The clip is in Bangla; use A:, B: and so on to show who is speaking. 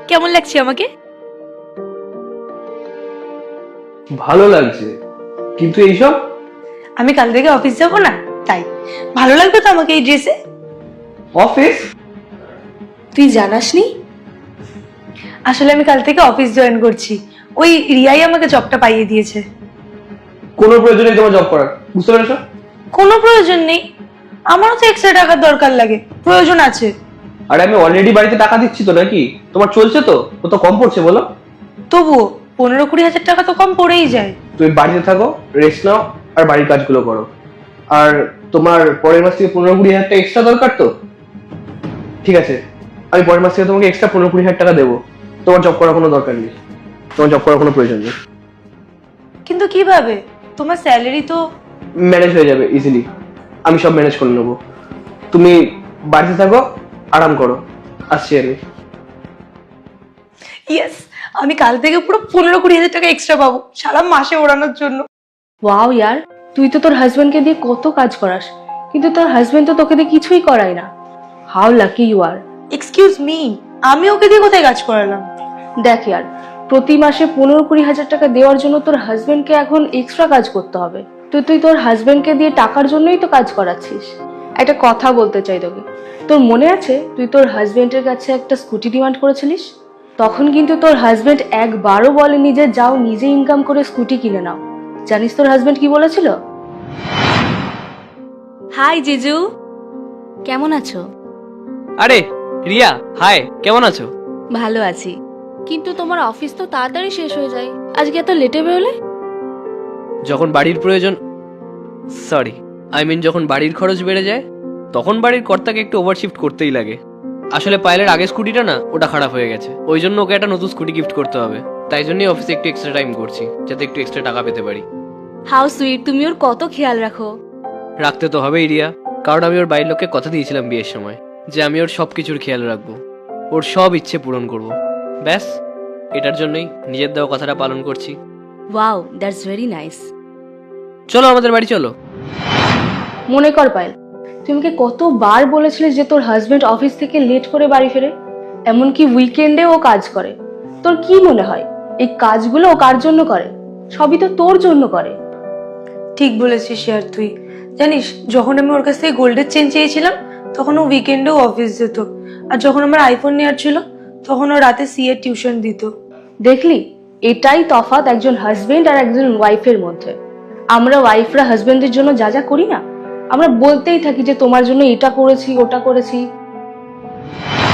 A: কেমন লাগছে আমাকে?
B: ভালো লাগছে, কিন্তু এইসব?
A: আমি কাল থেকে অফিস যাব না, তাই ভালো লাগবে তো আমাকে এই ড্রেসে।
B: অফিস?
A: তুই জানাসনি? আসলে আমি কাল থেকে অফিস জয়েন করছি। ওই রিয়াই আমাকে জবটা পাইয়ে দিয়েছে।
B: কোনো প্রয়োজন নেই তোমার জব করার, বুঝতে পেরেছো?
A: কোনো প্রয়োজন নেই, আমারও তো এক্সট্রা টাকার দরকার লাগে, প্রয়োজন আছে।
B: আরে আমি অলরেডি বাড়িতে টাকা দিচ্ছি তো, নাকি তোমার চলছে তো? ও তো কম পড়ছে বলো।
A: তবুও 15-20 হাজার টাকা তো কম পড়েই যায়।
B: তুমি বাড়িতে থাকো, রেস্ট নাও, আর বাড়ির কাজগুলো করো। আর তোমার পরের মাস থেকে 15-20 হাজার টাকা এক্সট্রা দরকার তো? ঠিক আছে, আমি পরের মাস থেকে তোমাকে এক্সট্রা 15-20 হাজার টাকা দেবো। তোমার জব করার কোনো দরকার নেই, তোমার জব করার কোনো প্রয়োজন নেই।
A: কিন্তু কিভাবে? তোমার স্যালারি তো।
B: ম্যানেজ হয়ে যাবে ইজিলি, আমি সব ম্যানেজ করে নেবো। তুমি বাড়িতে থাকো, আরাম করো, আসছি আমি।
A: ইয়েস, আমি কাল থেকে পুরো 15-20 হাজার টাকা এক্সট্রা পাবো সারা মাসে ওড়ানোর জন্য।
C: ওয়াও ইয়ার, তুই তো তোর হাজবেন্ডকে দিয়ে কত কাজ করাস, কিন্তু তোর হাজবেন্ড তো তোকে দিয়ে কিছুই করায় না। How lucky you are.
A: Excuse me, আমি ওকে দিয়ে কোথায় কাজ করালাম?
C: দেখ ইয়ার, প্রতি মাসে 15-20 হাজার টাকা দেওয়ার জন্য তোর হাজবেন্ডকে এখন এক্সট্রা কাজ করতে হবে। তুই তোর হাজবেন্ডকে দিয়ে টাকার জন্যই তো কাজ করাচ্ছিস। একটা কথা বলতে চাই তোকে, তোর মনে আছে তুই তোর হাজবেন্ডের কাছে একটা স্কুটি ডিমান্ড করেছিলিস? তখন কিন্তু তোর হাজবেন্ড একবারও বলেনি যে যাও নিজে ইনকাম করে স্কুটি কিনে নাও। জানিস তোর হাজবেন্ড কি বলেছিল?
A: হাই জিজু, কেমন আছো?
D: আরে রিয়া, হাই, কেমন আছো?
A: ভালো আছি।
C: কিন্তু তোমার অফিস তো তাড়াতাড়ি শেষ হয়ে যায়, আজকে এত লেটে বেরোলে?
D: যখন বাড়ির প্রয়োজন, সরি আই মিন যখন বাড়ির খরচ বেড়ে যায়, তখন বাড়ির কর্তাকে একটু ওভারশিফট করতেই লাগে। আসলে পায়েলের আগের স্কুটিটা না, ওটা খারাপ হয়ে গেছে, ওই জন্য ওকে একটা নতুন স্কুটি গিফট করতে হবে। তাই জন্যই অফিসে একটু এক্সট্রা টাইম করছি, যাতে একটু এক্সট্রা টাকা পেতে পারি।
C: হাউ সুইট, তুমি ওর কত খেয়াল রাখো।
D: রাখতে তো হবেই রিয়া, কারণ আমি ওর বাড়ির লোককে কথা দিয়েছিলাম বিয়ের সময় যে আমি ওর সব কিছুর খেয়াল রাখবো, ওর সব ইচ্ছে পূরণ করব। ব্যাস, এটার জন্যই নিজের দেওয়া কথাটা পালন করছি।
C: Wow, that's very nice.
D: চলো আমাদের বাড়ি চলো।
C: মনে কর পায়েল, তুই আমাকে কতবার বলেছিলিস যে তোর হাজবেন্ড অফিস থেকে লেট করে বাড়ি ফেরে, এমনকি উইকেন্ডে ও কাজ করে। তোর কি মনে হয় এই কাজগুলো ও কার জন্য করে? সবই তো তোর জন্য করে।
A: ঠিক বলেছিস ইয়ার তুই। জানিস, যখন আমি ওর কাছ থেকে গোল্ডের চেন চেয়েছিলাম তখন ও উইকেন্ডেও অফিস যেত, আর যখন আমার আইফোন নেওয়ার ছিল তখন ও রাতে সিএ টিউশন দিত।
C: দেখলি, এটাই তফাৎ একজন হাজবেন্ড আর একজন ওয়াইফের মধ্যে। আমরা ওয়াইফরা হাজবেন্ডের জন্য যা যা করি না, আমরা বলতেই থাকি যে তোমার জন্য এটা করেছি ওটা করেছি।